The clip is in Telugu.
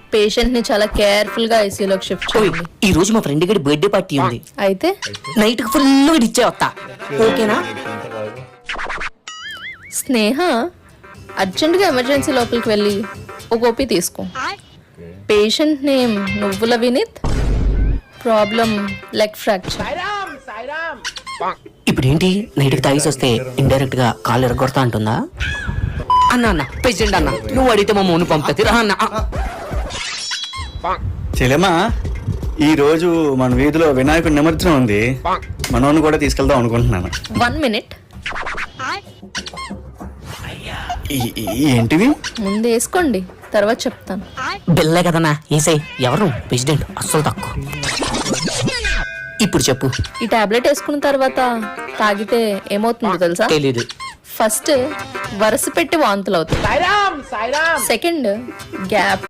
పేషెంట్ ని చాలా కేర్ఫుల్ గా ఐసీయూలోకి షిఫ్ట్ చేయండి. ఈ రోజు మా ఫ్రెండ్ గడి బర్త్డే పార్టీ ఉంది. అయితే నైట్ కి ఫుల్ ఇచ్చే వస్తా. ఓకేనా? స్నేహ అర్జెంట్ గా ఎమర్జెన్సీ లోపలికి వెళ్ళి ఒక ఓపీ తీసుకో. పేషెంట్ నేమ్ నువ్వుల వినీత్, ప్రాబ్లం లెగ్ ఫ్రాక్చర్. ఇప్పుడు ఏంటి నైట్ కి తాగేసి వస్తే ఇండైరెక్ట్ గా కాలు ఎరగొడతా అంటుందా? అన్న పేషెంట్ అన్న నువ్వు అడిగితే మా మౌని పంపుతుంది రా అన్న. చెల్లెమ్మా, ఈ రోజు మన వీధిలో వినాయకుడి నిమజ్జనం ఉంది. మనోని కూడా తీసుకెళ్దాం అనుకుంటున్నాను. 1 minute. ఏంటివి? ముందు వేసుకోండి, తర్వాత చెప్తాను. బిల్లే కదన్నా ఏసై. ఎవరు ప్రెసిడెంట్? అస్సలు తక్కువ. ఇప్పుడు చెప్పు. ఈ టాబ్లెట్ వేసుకున్న తర్వాత తాగితే ఏమవుతుందో తెలుసా? తెలీదు. ఫస్ట్ వరుస పెట్టి వాంతులు అవుతాయి. Second gap